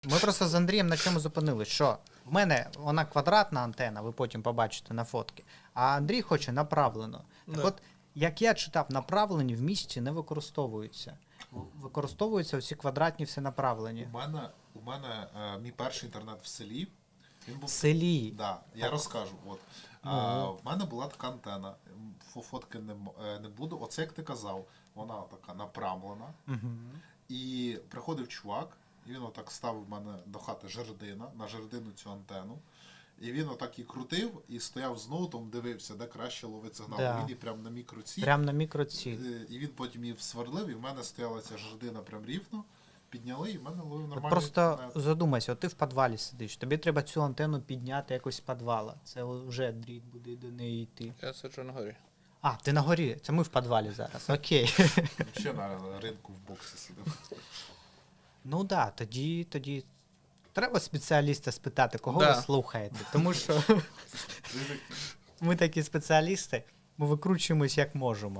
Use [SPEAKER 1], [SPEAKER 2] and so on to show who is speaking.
[SPEAKER 1] Ми просто з Андрієм на чому зупинились, що в мене вона квадратна антена, ви потім побачите на фотки, а Андрій хоче направлено. Так
[SPEAKER 2] Да.
[SPEAKER 1] от, як я читав, направлені в місті не використовуються. Використовуються всі квадратні все направлені.
[SPEAKER 2] У мене мій перший інтернет в селі. Він
[SPEAKER 1] В
[SPEAKER 2] був
[SPEAKER 1] селі.
[SPEAKER 2] Да, я
[SPEAKER 1] Так.
[SPEAKER 2] розкажу. От. В мене була така антена. Фотки не буду. Оце як ти казав, вона така направлена. І приходив чувак, і він отак ставив в мене до хати жердина, на жердину цю антену. І він отак і крутив, і стояв з ноутом, дивився, де краще ловить сигнал.
[SPEAKER 1] Да.
[SPEAKER 2] Він і прям на мікроці.
[SPEAKER 1] Прям на мікроціль.
[SPEAKER 2] І він потім її сверлив, і в мене стояла ця жердина прям рівно. Підняли, і в мене ловив
[SPEAKER 1] От
[SPEAKER 2] нормальний
[SPEAKER 1] просто
[SPEAKER 2] інтернет.
[SPEAKER 1] задумайся, от ти в підвалі сидиш, тобі треба цю антенну підняти якось з підвала. Це вже дріт буде до неї йти.
[SPEAKER 3] Я сиджу на горі.
[SPEAKER 1] А, ти на горі, це ми в підвалі зараз, окей.
[SPEAKER 2] Ще на ринку в боксі сидив.
[SPEAKER 1] Ну да, тоді треба спеціаліста спитати, кого
[SPEAKER 3] Да.
[SPEAKER 1] ви слухаєте. Тому що ми такі спеціалісти, ми викручуємось як можемо.